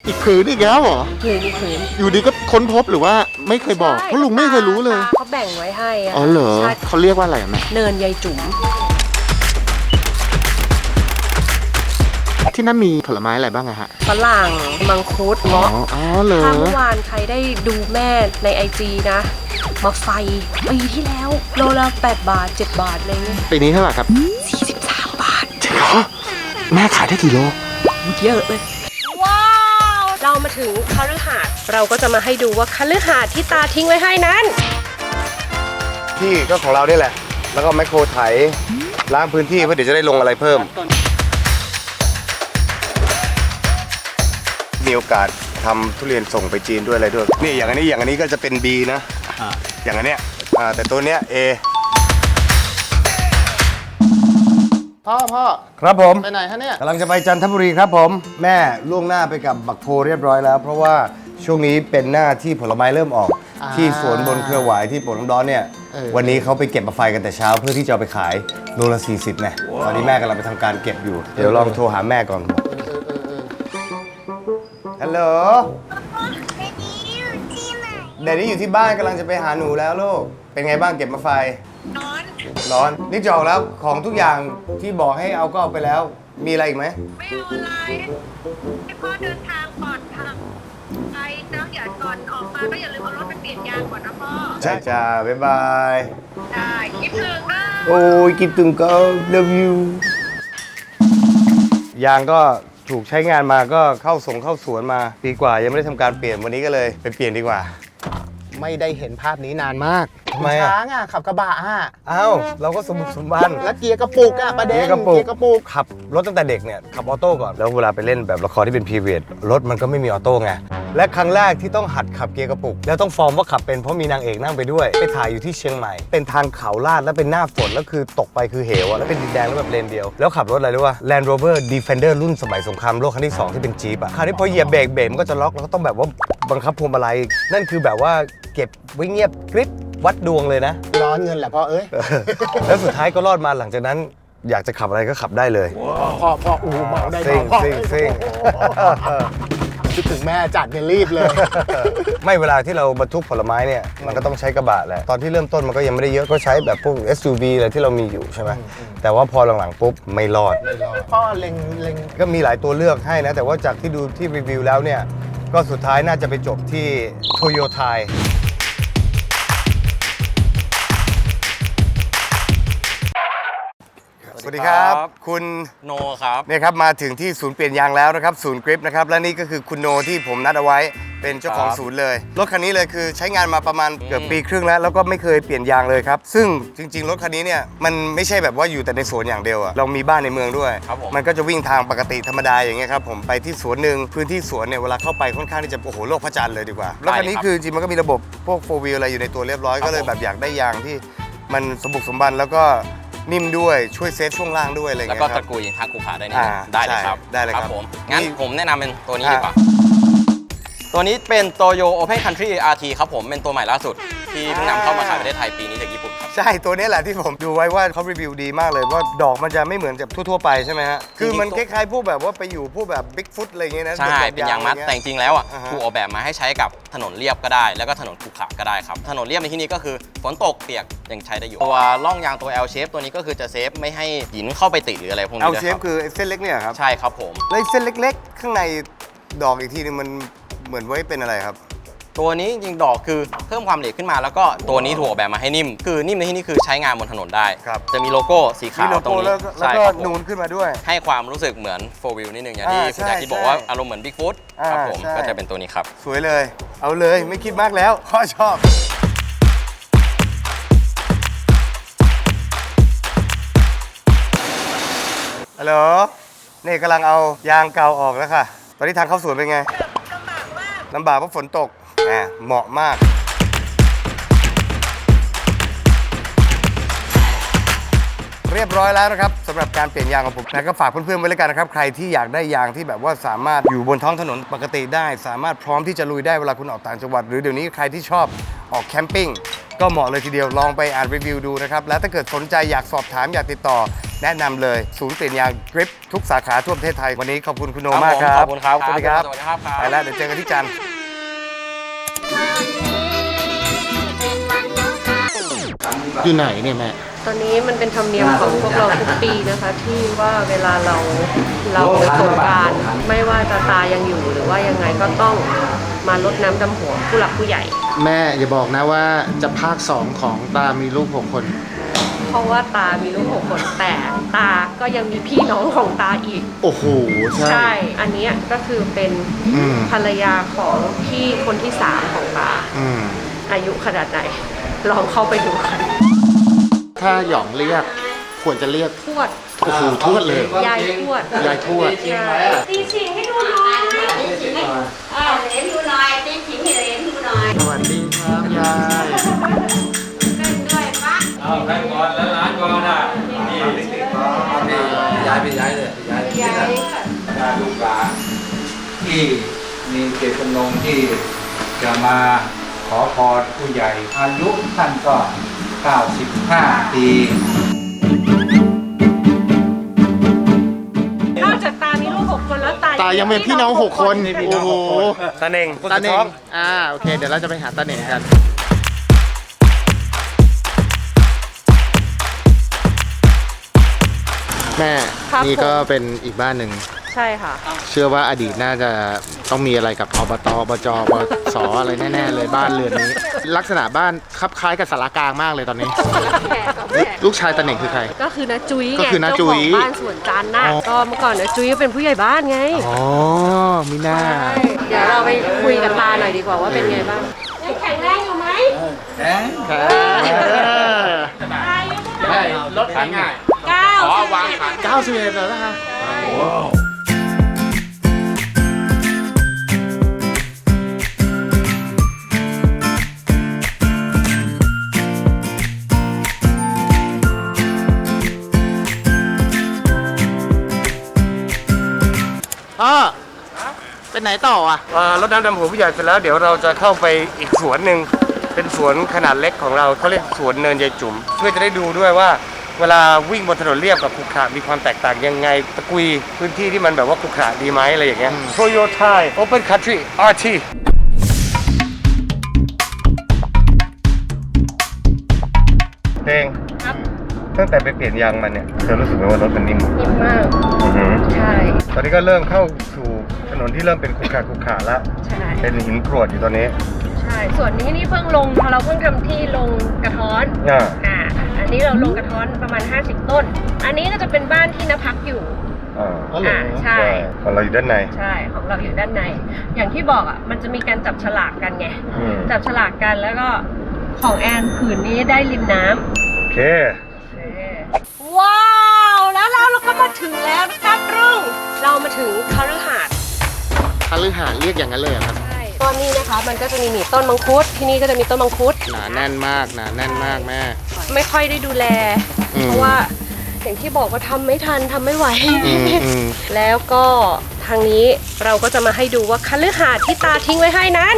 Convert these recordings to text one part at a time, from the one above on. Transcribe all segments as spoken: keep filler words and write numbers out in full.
อีกผืนอีกแล้วเหรอผืนอีกผืนอยู่ดีก็ค้นพบหรือว่าไม่เคยบอกเพราะลุงไม่เคยรู้เลยเขาแบ่งไว้ให้อะอ๋อเหรอใช่เขาเรียกว่าอะไรแม่เนินยายจุ๋มที่นั่นมีผลไม้อะไรบ้างอะฮะฝรั่งมังคุดอ๋อเงาะอ๋อเหรอถ้าเมื่อวานใครได้ดูแม่ในไอจีนะมาไฟปีที่แล้วโลละแปดบาทเจ็ดบาทอะไรเงี้ยปีนี้เท่าไหร่ครับสี่สิบสามบาทจริงเหรอแม่ขายได้กี่โลเยอะเลยว้าวเรามาถึงคฤหาสน์เราก็จะมาให้ดูว่าคฤหาสน์ที่ตาทิ้งไว้ให้นั้นที่ก็ของเราเนี่ยแหละแล้วก็แมคโครไถล้างพื้นที่เพื่อเดี๋ยวจะได้ลงอะไรเพิ่มมีโอกาสทำทุเรียนส่งไปจีนด้วยอะไรด้วยนี่อย่างอันนี้อย่างอันนี้ก็จะเป็น B นะอย่างอันเนี้ยแต่ตัวเนี้ย A พ่อพ่อครับผมไปไหนฮะเนี่ยกำลังจะไปจันทบุรีครับผมแม่ล่วงหน้าไปกับบักโพเรียบร้อยแล้ว เพราะว่าช่วงนี้เป็นหน้าที่ผลไม้เริ่มออก ที่สวนบนเครือหวายที่โป่งน้ำร้อนเนี่ยวันนี้เขาไปเก็บมาไฟกันแต่เช้าเพื่อที่จะเอาไปขายโลละสี่สิบเนี่ยตอนนี้แม่กำลังไปทำการเก็บอยู่เดี๋ยวลองโทรหาแม่ก่อนฮัลโหลเดดดี้อยู่ที่บ้านกำลังจะไปหาหนูแล้วลูกเป็นไงบ้างเก็บมาไฟร้อนร้อนนี่จอกแล้วของทุกอย่างที่บอกให้เอาก็เอาไปแล้วมีอะไรอีกไหมไม่เอาอะไรให้พ่อเดินทางปลอดภัยไปนะอย่าก่อนออกมาก็อย่าลืมเอารถไปเปลี่ยนยางก่อนนะพ่อใช่จ้าบ๊ายบายได้คิดถึงนะโอ้ยคิดถึงก็ love you ยางก็ถูกใช้งานมาก็เข้าส่งเข้าสวนมาปีกว่ายังไม่ได้ทำการเปลี่ยนวันนี้ก็เลยไปเปลี่ยนดีกว่าไม่ได้เห็นภาพนี้นานมากทำไมอะช้างอ่ะขับกระบะอ่ะอ้าวเราก็สมบุกสมบันแล้วเกียร์กระปุกอ่ะประเด็นเกียร์กระปุกกระปุกขับรถตั้งแต่เด็กเนี่ยขับออโต้ก่อนแล้วเวลาไปเล่นแบบละครที่เป็นพีเรียดรถมันก็ไม่มีออโต้ไงและครั้งแรกที่ต้องหัดขับเกียร์กระปุกแล้วต้องฟอร์มว่าขับเป็นเพราะมีนางเอกนั่งไปด้วยไปถ่ายอยู่ที่เชียงใหม่เป็นทางเขาลาดแล้วเป็นหน้าฝนแล้วคือตกไปคือเหวอะแล้วเป็นดินแดงแล้วแบบเลนเดียวแล้วขับรถอะไรรู้ป่ะ Land Rover Defender รุ่นสมัยสงครามโลกครั้งที่สองที่เป็นจี๊ปอะคราวนี้พอเหยียบเบรกเบรกมันก็จะล็อกแล้วก็ต้องแบบว่าบังคับพวงมาลัยนั่นคือแบบว่าเก็บไว้เงียบกริบวัดดวงเลยนะร้อนเงินแหละพ่อเอ้ยแล้วสุดท้ายก็รอดมาหลังจากนั้นอยากจะขับอะไรก็ขับได้เลยพ่อพ่ออูเมาได้ซิ่งพ่อซิ่งซิ่งคิดถึงแม่จัดเนี่ยรีบเลยไม่เวลาที่เราบรรทุกผลไม้เนี่ยมันก็ต้องใช้กระบะแหละตอนที่เริ่มต้นมันก็ยังไม่ได้เยอะก็ใช้แบบพวก เอส ยู วี อะไรที่เรามีอยู่ใช่ไหมแต่ว่าพอหลังๆปุ๊บไม่รอดพ่อเล็งเล็งก็มีหลายตัวเลือกให้นะแต่ว่าจากที่ดูที่รีวิวแล้วเนี่ยก็สุดท้ายน่าจะไปจบที่โตโยต้าสวัสดีครับคุณโนครับเนี่ยครับมาถึงที่ศูนย์เปลี่ยนยางแล้วนะครับศูนย์กริปนะครับและนี่ก็คือคุณโนที่ผมนัดเอาไว้เป็นเจ้าของศูนย์เลยรถคันนี้เลยคือใช้งานมาประมาณเกือบปีครึ่งแล้วแล้วก็ไม่เคยเปลี่ยนยางเลยครับซึ่งจริงๆรถคันนี้เนี่ยมันไม่ใช่แบบว่าอยู่แต่ในสวนอย่างเดียวอะเรามีบ้านในเมืองด้วยมันก็จะวิ่งทางปกติธรรมดาอย่างเงี้ยครับผมไปที่สวนหนึ่งพื้นที่สวนเนี่ยเวลาเข้าไปค่อนข้างที่จะโอ้โหโลกพระจันทร์เลยดีกว่ารถคันนี้คือจริงมันก็มีระบบพวกโฟร์วีลอะไรอยู่ในตัวเรียบร้อยก็เลยแบบอยากได้ยางที่มันสมบุกสมบันแล้วก็นิ่มด้วยช่วยเซฟช่วงล่างด้วยอะไรอย่างแล้วเงี้ยก็คตรับระกูลทาคุขาได้นี่อ่าได้เลยครับได้เลยครับผมงั้นนี่ผมแนะนำเป็นตัวนี้อ่าดีกว่าตัวนี้เป็นโตโย Open Country อาร์ ที ครับผมเป็นตัวใหม่ล่าสุด ที่เพิ่งนำเข้ามาขายประเทศไทยปีนี้จากญี่ปุ่นครับใช่ตัวนี้แหละที่ผมดูไว้ว่าเขารีวิวดีมากเลยว่าดอกมันจะไม่เหมือนกับทั่วๆไปใช่ไหมฮะคือมันคล้ายๆพวกแบบว่าไปอยู่พวกแบบบิ๊กฟุตอะไรอย่างเงี้ยนะใช่ เป็นยางมัดแต่จริงๆแล้วอ่ะอ่าฮะถูกออกแบบมาให้ใช้กับถนนเรียบก็ได้ แล้วก็ถนนขรุขระก็ได้ครับ ถนนเรียบในที่นี้ก็คือฝนตกเปียกยังใช้ได้อยู่ ตัวร่องยางตัว L shape ตัวนี้ก็คือจะเซฟไม่ให้หินเข้าไปติดหรืออะไรพวกนี้เอาด้วยเชคฟรับคือไอ้เส้นเล็กเนี่ยครับใช่ครับผมแล้วไอ้เส้นเล็กๆ ข้างในดอกอีกทีนึงมันเหมือนไว้เป็นอะไรครับตัวนี้จริงๆดอกคือเพิ่มความเหลวขึ้นมาแล้วก็ตัวนี้ถูกออกแบบมาให้นิ่ม คือนิ่มในที่นี้คือใช้งานบนถนนได้ครับจะมีโลโก้สีมีขาวโลตรงโก้นี้แล้วก็แล้วใช่ก็ครับผมนูนขึ้นมาด้วยให้ความรู้สึกเหมือนโฟร์วิลนิดนึงอย่างที่อ่าคุณแจ็คที่ใช่บอกว่าใช่อารมณ์เหมือนบิ๊กฟุตอ่าครับผมใช่ก็จะเป็นตัวนี้ครับสวยเลย เอาเลยไม่คิดมากแล้วพ่อชอบฮัลโหลนี่กำลังเอายางเก่าออกแล้วค่ะ ตอนนี้ทางเข้าสวนเป็นไงลำบากเพราะฝนตกแหมเหมาะมากเรียบร้อยแล้วนะครับสำหรับการเปลี่ยนยางของผมนะก็ฝากเพื่อนๆไว้เลยกันนะครับใครที่อยากได้ยางที่แบบว่าสามารถอยู่บนท้องถนนปกติได้ สามารถพร้อมที่จะลุยได้เวลาคุณออกต่างจังหวัดหรือเดี๋ยวนี้ใครที่ชอบออกแคมปิ้งก็เหมาะเลยทีเดียวลองไปอ่านรีวิวดูนะครับและถ้าเกิดสนใจอยากสอบถามอยากติดต่อแนะนำเลยศูนย์เปลี่ยนยางกริปทุกสาขาทั่วประเทศไทยวันนี้ขอบคุณคุณโนมากครับขอบคุณครับสวัสดีครับสวัสดีครับไปแล้วเดี๋ยวเจอกันที่จันทร์อยู่ไหนเนี่ยแม่ตอนนี้มันเป็นธรรมเนียมของพวกเราทุกปีนะคะ ที่ว่าเวลาเราเราสงกรานต์ไม่ว่าจะตายังอยู่หรือว่ายังไงก็ต้องมารดน้ำดำหัวผู้หลักผู้ใหญ่แม่อย่าบอกนะว่าจะภาคสองของตามีลูกหกคนเพราะว่าตามีลูกหกคนแต่ตาก็ยังมีพี่น้องของตาอีกโอ้โห ใช่ใช่ อันเนี้ยก็คือเป็นอืมภรรยาของพี่คนที่สามของตาอืมอายุขนาดไหน ลองเข้าไปดูกันถ้าหยองเรียกควรจะเรียกทวดโอ้โหทวดเลยยายทวดยายทวดใช่ตีฉิงให้ดูหน่อยตีฉิงให้เออเหรียญดูหน่อยตีฉิงให้เหรียญดูหน่อยสวัสดีครับยายเล่นด้วยปะเอาแบงก์ก่อนแล้วร้านก่อนอ่ะนี่นี่ย้ายไปย้ายเลยย้ายยายญาติลูกหลานที่มีเจตจำนงที่จะมาขอพรผู้ใหญ่อายุท่านก็เก้าสิบห้าปีนอกจากตามีลูกหกคนแล้วตาตายังเป็นพี่น้องหกคน โอ้โหตาเน่งตาเน่งอ่า โอเค เดี๋ยวเราจะไปหาตาเน่งกัน แม่ นี่ก็เป็นอีกบ้านหนึ่งใช่ค่ะเชื่อว่าอดีตน่าจะต้องมีอะไรกับอบตอบจบสอะไรแน่ๆเลยบ้านเรือนนี้ ลักษณะบ้านคลับคล้ายกับสารกลางมากเลยตอนนี้ ลูกชายตาเน่งคือใครก็คือนาจุ้ยก็ไงคือน้าเจ้าจุ๋ขอย งบ้านสวนจันทร์น่ะอ๋อก็เมื่อก่อนนาจุ้ยก็เป็นผู้ใหญ่บ้านไงอ๋อมีหน้าเดี๋ยวเราไปคุยกับตาหน่อยดีกว่าว่าเป็นไงบ้างยังแข็งแรงอยู่ไหมเอ๊ะอายุเท่าไหร่รถขันง่ายเก้าอ๋อวางขันเก้าสิบเอ็ดแล้วนะคะ พ่อเป็นไหนต่ออ่ะเอ่อรดน้ำดำหัวผู้ใหญ่เสร็จแล้วเดี๋ยวเราจะเข้าไปอีกสวนหนึ่งเป็นสวนขนาดเล็กของเราเขาเรียกสวนเนินยายจุ๋มเพื่อจะได้ดูด้วยว่า เวลาวิ่งบนถนนเรียบกับขรุขระมีความแตกต่างยังไงตะกุยพื้นที่ที่มันแบบว่าขรุขระดีไหมอะไรอย่างเงี้ย Toyota Open Country อาร์ ที เพลงครับตั้งแต่ไปเปลี่ยนยางมันเนี่ยเธอรู้สึกไหมว่ารถมันนิ่มนิ่มมากอือหือใช่ตอนนี้ก็เริ่มเข้าสู่ถนนที่เริ่มเป็นขรุขระขรุขระแล้วใช่เป็นหินกรวดอยู่ตอนนี้ใช่ ส่วนนี้นี่เพิ่งลงเราเพิ่งทำที่ลงกระท้อนอ่าอ่า อันนี้เราลงกระท้อนประมาณห้าสิบต้น อันนี้ก็จะเป็นบ้านที่นพักอยู่อ่าอ๋อเหรออ่า ใช่ของเราอยู่ด้านในใช่ ของเราอยู่ด้านใน อย่างที่บอกอ่ะ มันจะมีการจับฉลากกันไงอืมจับฉลากกันแล้วก็ของแอนผืนนี้ได้ริมน้ำโอเคว้าว แล้วเราเราก็มาถึงแล้วนะครับรุ่งเรามาถึงคฤหาสน์คฤหาสน์เรียกอย่างนั้นเลยเหรอครับใช่ตอนนี้นะคะมันก็จะมีหนีต้นมังคุดที่นี่ก็จะมีต้นมังคุดหนาแน่นมากหนาแน่นมากแม่ไม่ค่อยได้ดูแลอืมเพราะว่าอย่างที่บอกว่าทำไม่ทันทำไม่ไหวอืมอืมแล้วก็ทางนี้เราก็จะมาให้ดูว่าคฤหาสน์ที่ตาทิ้งไว้ให้นั้น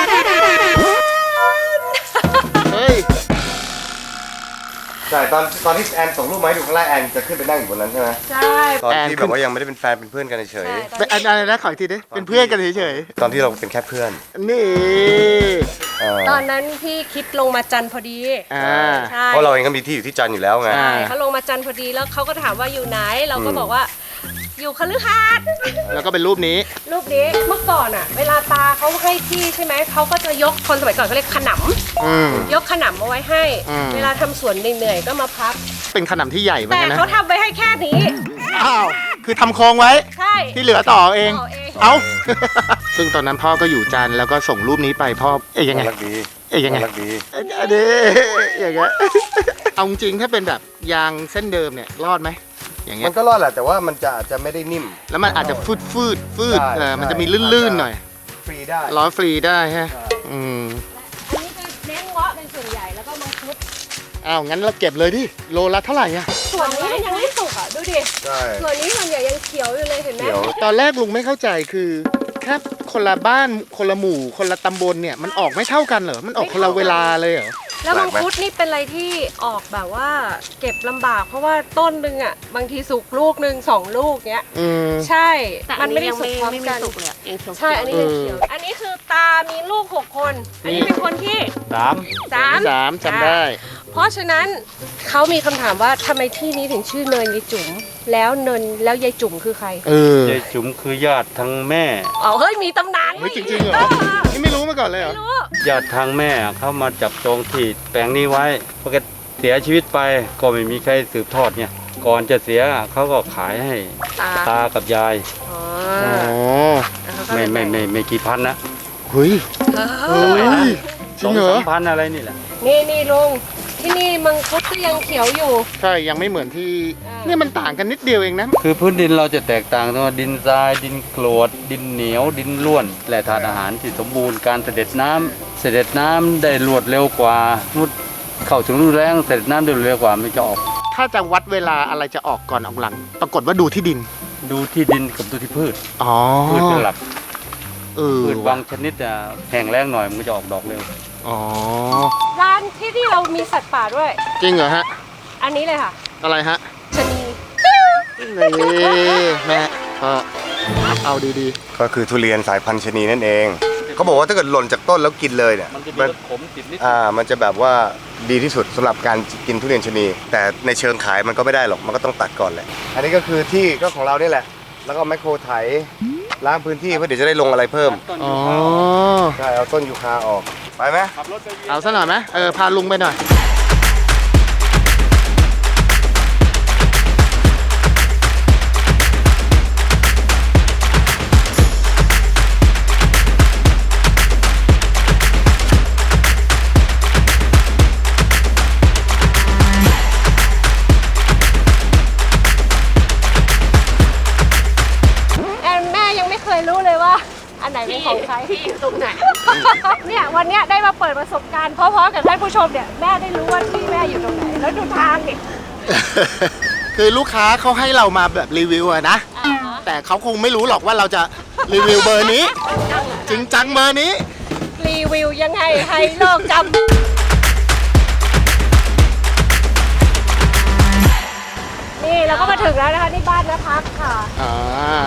เฮ้ยใช่ ตอนตอนที่แอนส่งรูปมาให้ดูข้างล่างแอนจะขึ้นไปนั่งอยู่บนนั้นใช่ไหมใช่ตอนแอนที่ขึ้แบนบว่ายังไม่ได้เป็นแฟนเป็นเพื่อนกันเฉยเป็นอะไรนะขออีกทีดิ เป็นเพื่อนกันเฉยๆตอนที่เราเป็นแค่เพื่อนๆ นี่เออตอนนั้นพี่คิดลงมาจันทร์พอดีอ่าใช่เพราะเราเองก็มีที่อยู่ที่จันทร์อยู่แล้วไงใช่เขาลงมาจันทร์พอดีแล้วเขาก็ถามว่าอยู่ไหน เราก็บอกว่าอยู่คฤหาสน์แล้วก็เป็นรูปนี้รูปนี้เมื่อก่อนอะเวลาตาเขาให้ที่ใช่ไหมเขาก็จะยกคนสมัยก่อนเขาเรียกขนอืมำยกขนำเอาไว้ให้อืมเวลาทำสวนเหนื่อยๆก็มาพักเป็นขนำที่ใหญ่เหมือนแต่กันนะเขาทำไว้ให้แค่นี้อ้าว คือทำโครงไว้ใช่ที่เหลือต่อเองต่อเองเอ้า ซึ่งตอนนั้นพ่อก็อยู่จันทร์แล้วก็ส่งรูปนี้ไปพ่อ เอ๊ยยังไงรักดีเอ๊ยยังไงรักดีอันนี้อย่างเงี้ย เอาจริงๆถ้าเป็นแบบยางเส้นเดิมเนี่ยรอดไหม อย่างเงี้มัยนก็รอดแหละแต่ว่ามันจะอาจจะไม่ได้นิ่มแล้วมันอาจจะฟืดฟืดฟืดใช่เออมันจะมีใช่ลื่นๆหน่อยฟรีได้ล้อฟรีได้ฮะ อืมอันนี้จะเน้นเงาะเป็นส่วนใหญ่แล้วก็มังคุดอ้าว งั้นเราเก็บเลยดิ โลละเท่าไหร่อะส่วนนี้มันยังไม่สุกอ่ะดูดิใช่ส่วนนี้ส่วนใหญ่ยังเขียวอยู่เลยเห็นไหมเดี๋ยวตอนแรกลุงไม่เข้าใจคือแค่คนละบ้านคนละหมู่คนละตำบลเนี่ยมันออกไม่เท่ากันเหรอ มันออกคนละเวลาเลยเหรอแล้วมังแปลกไหมคุดนี่เป็นอะไรที่ออกแบบว่าเก็บลำบาก เพราะว่าต้นหนึ่งอ่ะบางทีสุกลูกหนึ่งสองลูกเนี้ยอืมใช่แต่มัอันนไม่นี้ได้ยังสุไม่กพร้อมไม่กัมีนสุกเลยอะยังเขียวๆใช่อันนี้ยังเขียวอันนี้คือตามีลูกหกคน อันนี้เป็นคนที่สามสามสามจำได้เพราะฉะนั้นเขามีคำถามว่าทำไมที่นี้ถึงชื่อเนินยายจุ๋มแล้วเนินแล้วยายจุ๋มคือใครเออยายจุ๋มคือญาติทางแม่อ๋อเฮ้ยมีตำนานเฮ้ยจริงๆเหรอ นี่ไม่รู้มาก่อนเลยเหรอไม่รู้ญาติทางแม่เขามาจับจองที่แปลงนี้ไว้พอแกเสียชีวิตไปก็ไม่มีใครสืบทอดเนี่ยก่อนจะเสียเขาก็ขายให้ตาตากับยายอ๋ออ๋อแล้วเขาก็ไม่เลยไม่ไม่ไม่กี่พันนะเฮ้ยเอเฮ้อยจสริอง งเหรอสามพันอะไรนี่แหละนี่นี่ลุงที่นี่มังคุดก็ยังเขียวอยู่ใช่ ยังไม่เหมือนที่อ่าเนี่ยมันต่างกันนิดเดียวเองนะคือพื้นดินเราจะแตกต่างตรงว่าดินทรายดินกรวด ดินเหนียวดินร่วนและธาตุอาหารที่สมบูรณ์การเสด็จน้ำเสด็จน้ำได้รวดเร็วกว่ามุดเข้าถึงฤดูแล้งเสด็จน้ำได้รวดเร็วกว่าไม่จะออกถ้าจะวัดเวลาอะไรจะออกก่อนออกหลัง ปรากฏว่าดูที่ดินดูที่ดินกับดูที่พืชอ๋อพืชเป็นหลักเออพืชบางชนิดอ่ะแห้งแล้งหน่อยมันก็จะออกดอกเร็วอ๋อร้านที่ที่เรามีสัตว์ป่าด้วยจริงเหรอฮะอันนี้เลยค่ะอะไรฮะชะนีนี่แม่ก็เอาดีก็คือทุเรียนสายพันธุ์ชะนีนั่นเองเขาบอกว่าถ้าเกิดหล่นจากต้นแล้วกินเลยเนี่ยมันจะมีมันรสขมติดนิดอ่ามันจะแบบว่าดีที่สุดสำหรับการกินทุเรียนชะนี แต่ในเชิงขายมันก็ไม่ได้หรอกมันก็ต้องตัดก่อนแหละอันนี้ก็คือที่ก็ของเรานี่แหละ แล้วก็แมคโครไถล้างพื้นที่เพื่อเดี๋ยวจะได้ลงอะไรเพิ่มต้นๆ อ๋ยูอคาใช่เอาต้นยูคาออก ไปไหมขับรถไปเวียนเอาซะหน่อยไหมเออ พาลุงไปหน่อยแอนแม่ยังไม่เคยรู้เลยว่า อันไหนเป็นของใครที่อยู่ตรงไหนเนี่ยวันเนี้ยได้มาเปิดประสบการณ์เพราะๆกับท่านผู้ชมเนี่ยแม่ได้รู้ว่าที่แม่อยู่ตรงไหน แล้วดูทางดิคือลูกค้าเขาให้เรามาแบบรีวิวอะนะ แต่เขาคงไม่รู้หรอกว่าเราจะรีวิวเบอร์นี้ จริงจังเบอร์นี้รีวิวยังไงให้โลกจำนี่เราก็มาถึงแล้วนะคะนี่บ้านนะพักค่ะอ่า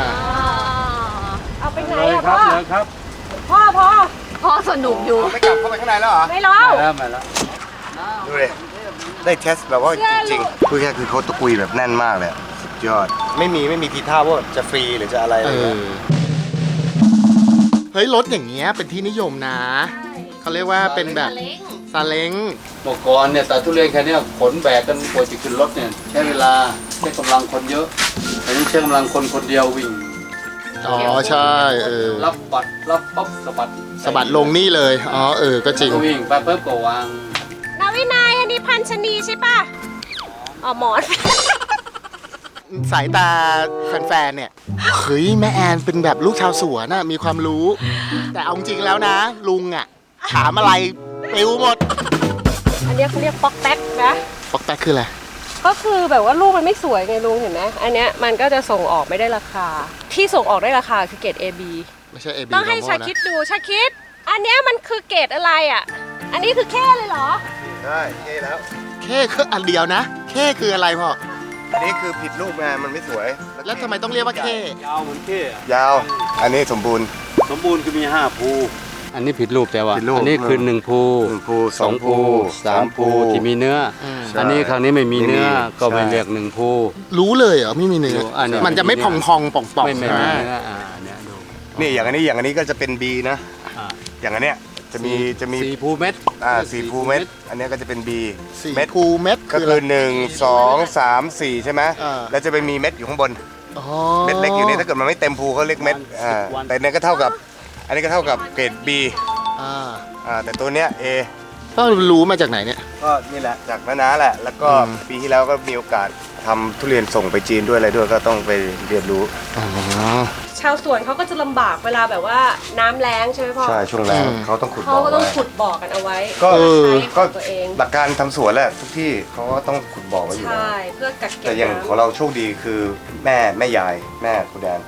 เอาไปไหนเลยอะครัพ่บอเลยครับพ่อพ่อพ่อสนุกอยู่ไม่กลับเข้าไปข้างในแล้วเหรอไม่รอมาแล้วมาแล้วดูเลยได้เทสแบบว่าเชื่อจริงลูกๆคือแค่คือเขาตะกุยแบบแน่นมากเลยอะสุดยอด ไม่มีไม่มีทีท่าว่าจะฟรีหรือจะอะไรเอเลยอ เฮ้ย รถอย่างเงี้ยเป็นที่นิยมนะ เขาเรียกว่าเป็นแบบซาเล้งเมื่อก่อนเนี่ยแต่ทุเรียนแค่เนี้ยขนแบกกันกว่าจะขึ้นรถเนี่ยใช้เวลาใช้กำลังคนเยอะอันนี้ใช้กำลังคนคนเดียววิ่งอ๋อ ใช่ เออรับบัตรรับปั๊บสะบัดสะบัดลงนี่เลย อ๋อ เออ ก็จริงก็วิ่งไปปุ๊บก็วางนาวินัยอันนี้พันชนีใช่ปะอ๋อหมอนสายตาแฟนๆ เนี่ย เฮ้ย แม่แอนเป็นแบบลูกชาวสวนน่ะ มีความรู้ แต่เอาจริงแล้วนะ ลุงอ่ะ ถามอะไรปิวหมดอันเนี้ยเขาเรียกป๊อกแป๊กนะปอกแป๊กคืออะไรก็คือแบบว่าลูกมันไม่สวยไงลุงเห็นไหมอันเนี้ยมันก็จะส่งออกไม่ได้ราคา ที่ส่งออกได้ราคาคือเกรด เอ บีไม่ใช่ เอ บีต้องให้ชาคิดดูชาคิด อันเนี้ยมันคือเกรดอะไรอ่ะ อันนี้คือแค่เลยเหรอได้เท่แล้วแค่คืออันเดียวนะแค่คืออะไรพ่ออันนี้คือผิดรูปไงมันไม่สวยแล้วทำไมต้องเรียกว่าแค่ยาวเหมือนเท่อะยาว อันนี้สมบูรณ์สมบูรณ์คือมีห้าภูอันนี้ผิดรูปแต่ว่าผิดรูปอันนี้คือหนึ่งภูหนึ่งภูสองภูสามภูที่มีเนื้ออมอันนี้ครั้งนี้ไม่มีเนื้อไม่มีก็ไม่ใช่เรียกหนึ่งภูรู้เลยเหรอไม่มีเนื้อรู้อันนี้มันจะไม่พองพองๆป่องป่องไม่ไม่ใช่ไหมมีเนื้ออ่าเนี่ยดูนี่อย่างอันนี้อย่างอันนี้ก็จะเป็น B นะอ่าอย่างอันเนี้ยจะมีจะมีสี่ภูเม็ดอ่าสี่ภูเม็ด อันเนี้ยก็จะเป็น B สี่เม็ดภูเม็ดก็คือคือะอไรหนึ่งสองสามสี่ใช่ไหมอ่าแล้วจะไปมีเม็ดอยู่ข้างบนอ๋อเม็ดเล็กอยู่นี่ถ้าเกิดมันไม่เต็มภูเขาเรียกเม็ดอ่าแต่เนี้ยก็เท่ากับ อันนี้ก็เท่ากับเกรด B อ่าอ่าแต่ตัวเนี้ย A พ่อรู้มาจากไหนเนี่ยก็นี่แหละจากน้าน้าแหละ แล้วก็อืมปีที่แล้วก็มีโอกาสทำทุเรียนส่งไปจีนด้วยอะไรด้วยก็ต้องไปเรียนรู้อ๋อชาวสวนเขาก็จะลำบากเวลาแบบว่าน้ำแล้งใช่ไหมพ่อใช่ช่วงแรกอืมเขาต้องขุดเขาบ่อก็ต้องไว้ขุดบ่อกันเอาไว้ก็เออก็ใช้ของตัวเองหลักการทำสวนแหละทุกที่เขาก็ต้องขุดบ่อไว้อยู่ใช่แล้วเพื่อกักเก็บแต่อย่างน้ำของเราโชคดีคือแม่แม่ยายแม่คุณแดน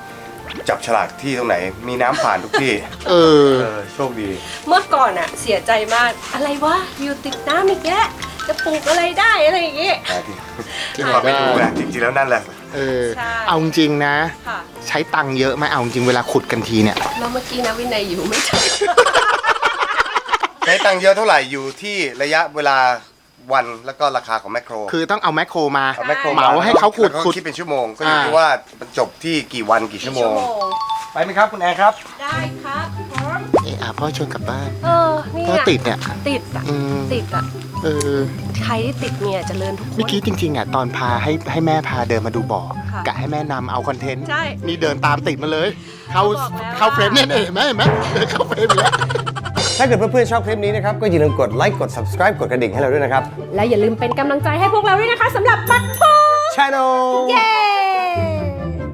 จับฉลากที่ตรงไหน มีน้ำผ่านทุกที่เออเออ โชคดีเมื่อก่อนอะเสียใจมากอะไรวะอยู่ติดน้ำอีกแล้วจะปลูกอะไรได้อะไรอย่างงี้ที่ความไม่รู้นะจริงๆแล้วนั่นแหละเออใช่เอาจริงๆนะค่ะใช้ตังค์เยอะไหมเอาจริงเวลาขุดกันทีเนี่ยแล้วเมื่อกี้นะวินัยอยู่ไม่ทันใช้ตังค์เยอะเท่าไหร่อยู่ที่ระยะเวลาวันแล้วก็ราคาของแมคโครคือต้องเอาแมคโครมาเอาแมคโครเหมาให้เขาขุดแล้วก็ขุดคิดเป็นชั่วโมง ก็อยู่อ่าที่ว่ามันจบที่กี่วันกี่ชั่วโมง ไปไหมครับคุณแอนครับได้ครับพร้อมเอออ่ะพ่อชวนกลับบ้านเออนี่พ่ออะติดเนี่ยติดอะอืมติดอะเออใครที่ติดเนี่ยเจะเริญทุกคนเมื่อกี้จริงๆอ่ะตอนพาให้ให้แม่พาเดินมาดูบ่อค่ะกะให้แม่นำเอาคอนเทนต์ใช่นี่เดินตามติดมาเลย เข้าบอกแล้วเข้าเฟรมเนี่ยเห็นไหมเห็นไหมเดินเข้าเฟรมอยู่แล้วถ้าเกิดเพื่อนๆชอบคลิปนี้นะครับ ก็อย่าลืมกดไลค์ กด subscribe กดกระดิ่งให้เราด้วยนะครับและอย่าลืมเป็นกำลังใจให้พวกเราด้วยนะคะสำหรับบัตรพู Channel เย้